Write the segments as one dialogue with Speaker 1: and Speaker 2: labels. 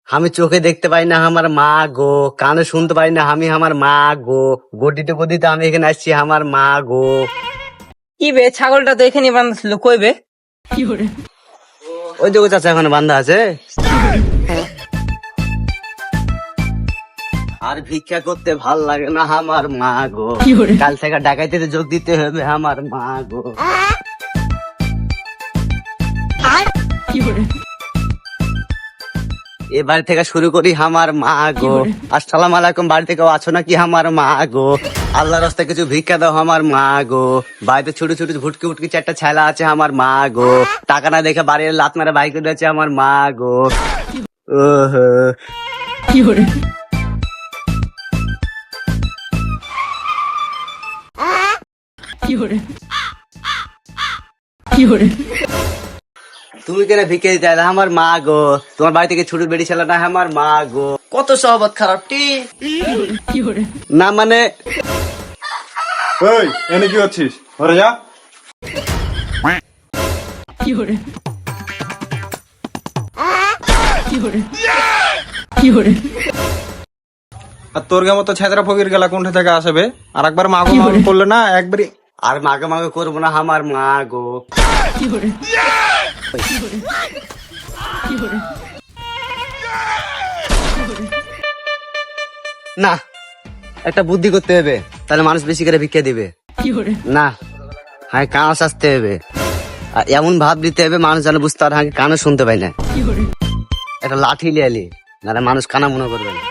Speaker 1: আমি চোখে দেখতে পাই না আমার মা গো, কানে শুনতে পাই না আমি আমার মা গো, গদিতে গদিতে আমি এখানে আসছি আমার মা গো।
Speaker 2: কি বে, ছাগলটা তো এখানে বান্ধা ছিল, কই বে?
Speaker 1: ওই দেখো চাচা এখন বান্ধা আছে। আর ভিক্ষা করতে ভাল লাগে না আমার মা গো, কাল থেকে ডাকাইতে যোগ দিতে হবে আমার মা গো। এ বাড়ি থেকে শুরু করি আমার মা গো। আসসালাম আলাইকুম, বাড়ি থেকে আছো নাকি আমার মা গো? আল্লাহর রাস্তায় কিছু ভিক্ষা দাও আমার মা গো। বাড়িতে ছোট ছোট ভুটকি ভুটকি চারটা ছেলা আছে আমার মা গো। টাকা না দেখে বাড়ির লাত মারা বাইক আছে আমার মা গো। তুমি কেন ভিক্ষা দিতে আইলা আমার মা গো? তোমার বাড়ি থেকে ছোট বেড়ি ছেলে না আমার মা গো।
Speaker 2: কত সহবত খারাপ টি।
Speaker 1: না মানে
Speaker 3: ওই এনে কি হচ্ছিস? ঘরে যা। আর তোর গে মতো ছেদরা ফকির গেলা কোনটা থেকে আসবে? আর একবার মাগো মাগো করলে না একবারই।
Speaker 1: আর মাগে মাগে করবো না আমার মা গো। না, একটা বুদ্ধি করতে হবে, তাহলে মানুষ বেশি করে ভিক্ষা দিবে। না, হ্যাঁ কানে আসতে হবে, আর এমন ভাব দিতে হবে মানুষ যেন বুঝতে পারে হ্যাঁ কানে শুনতে পাই না। একটা লাঠি লিয়ে আলি, নাহলে মানুষ কানা মনে করবে না।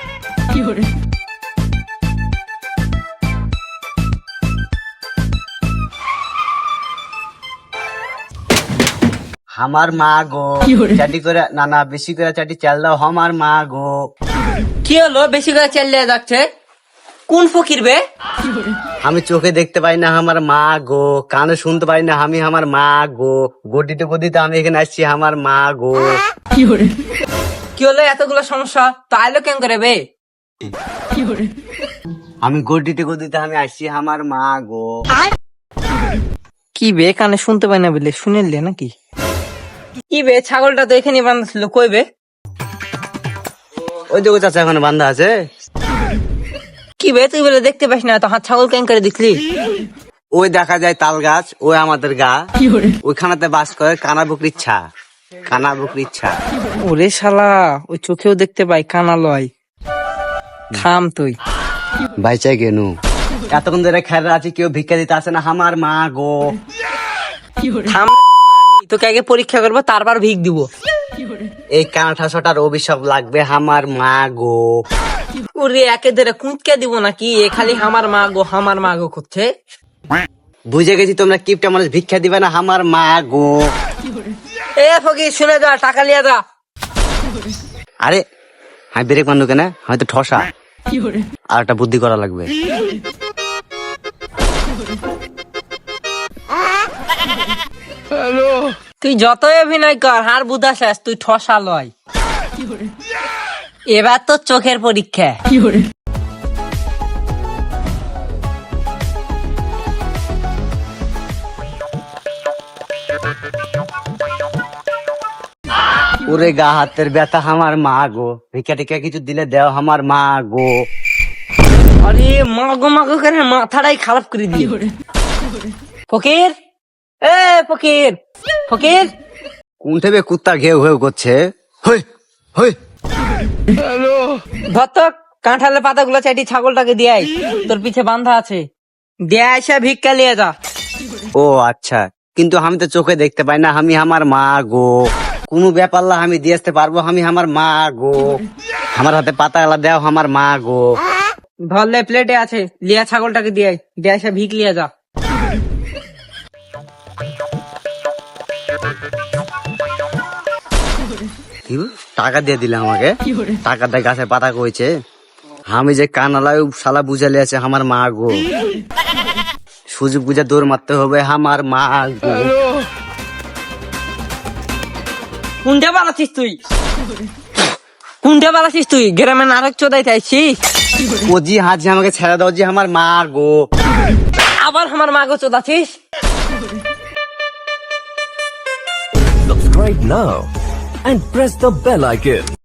Speaker 1: আমার মা গো, চাটি করে না না বেশি করে চাটি চাল দাও আমার মা গো।
Speaker 2: কি হলো বেশি করে চালিয়ে যাচ্ছে? কোন ফকির বে?
Speaker 1: আমি চোখে দেখতে পাই না আমার মা গো, কানে শুনতে পাই না আমি আমার মা গো, গদিতে গদিতে আমি এখানে আসছি আমার মা গো।
Speaker 2: কি হলো এতগুলো সমস্যা? তো আইলো কেন করে বে?
Speaker 1: আমি গদিতে গদিতে আমি আসছি আমার মা গো।
Speaker 2: কি বে, কানে শুনতে পাই না বলে শুনেলে নাকি? কি বে, ছাগলটা তো এখানে বান্ধা ছিল, কই বে?
Speaker 1: ওই দেখো চাচা এখন বান্ধা আছে।
Speaker 2: কি বে, তুই বলে দেখতে পাস না, তো হাত ছাগল কেন করে দেখলি?
Speaker 1: ওই দেখা যায় তাল গাছ, ওই আমাদের গা, ওইখানেতে বাস করে কানা বকরির ছা, কানা বকরির ছা।
Speaker 2: ওরে শালা, ওই চোখেও দেখতে পাই, কানা লয়। থাম তুই।
Speaker 1: বাইচাই কেনু এতক্ষণ ধরে খেলা আছি, কেউ ভিক্ষা দিতে আসে না আমার মা গো।
Speaker 2: থাম, তোকে আগে পরীক্ষা করবো, তারপর ভিক দিব।
Speaker 1: এই কানাঠাসটার অভিশাপ লাগবে আমার মা গো।
Speaker 2: ওরে একে ধরে কুঁচকে দিব নাকি? এ খালি হামার মা গো হামার মা গো করছে।
Speaker 1: বুঝে গেছি তোমরা কিপটা মানুষ ভিক্ষা দিবে না আমার মা গো।
Speaker 2: এ ফকির শুনে যা, টাকা লিয়ে যা।
Speaker 1: আরে হ্যাঁ ব্রেক মারলো কেন? হয়তো ঠসা। আর একটা বুদ্ধি করা লাগবে।
Speaker 2: তুই যতই অভিনয় কর, হার বুধা শেষ, তুই ঠসা লয়। এবার তো চোখের পরীক্ষা।
Speaker 1: ওরে গা হাতের ব্যথা আমার মা গো, ভিক্ষা টিকা কিছু দিলে দেও আমার মা গো।
Speaker 2: আরে মাগো মাগো করে মাথাটাই খারাপ করে দিয়ে। ফকির, এ ফকির, ফকির।
Speaker 1: কোন থেকে কুত্তা ঘেউ ঘেউ করছে? হই হই।
Speaker 2: ধর তো কাঁঠালের পাতাগুলো চাইটি ছাগলটাকে দিয়াই, তোর পিছে বান্ধা আছে, দিয়ে এসে ভিক্ষা লিয়ে যা।
Speaker 1: ও আচ্ছা, কিন্তু আমি তো চোখে দেখতে পাই না আমি আমার মা গো। কোনো ব্যাপার না, আমি দিয়ে আসতে পারবো আমি আমার মা গো। আমার হাতে পাতা এলা দেও আমার মা গো।
Speaker 2: ধরলে প্লেটে আছে, লিয়া ছাগলটাকে দিয়াই, দিয়ে এসে ভিক লিয়ে যা।
Speaker 1: টাকা দিয়ে দিলে আমাকে, টাকা দিয়ে গাছের পাতা কইছে। আমি যে কানালায় শালা বুঝালে আছে আমার মা গো। সুযোগ বুঝে দৌড় মারতে হবে আমার মা গো।
Speaker 2: কোনটা পালাছিস তুই? কোনটা পালাছিস তুই? গ্রামে নারক চোদাইতে আইছিস?
Speaker 1: ও জি হাজি আমাকে ছেড়ে দাও জি আমার মা গো।
Speaker 2: আবার আমার মাগো চোদাছিস?
Speaker 4: Subscribe now and press the bell icon.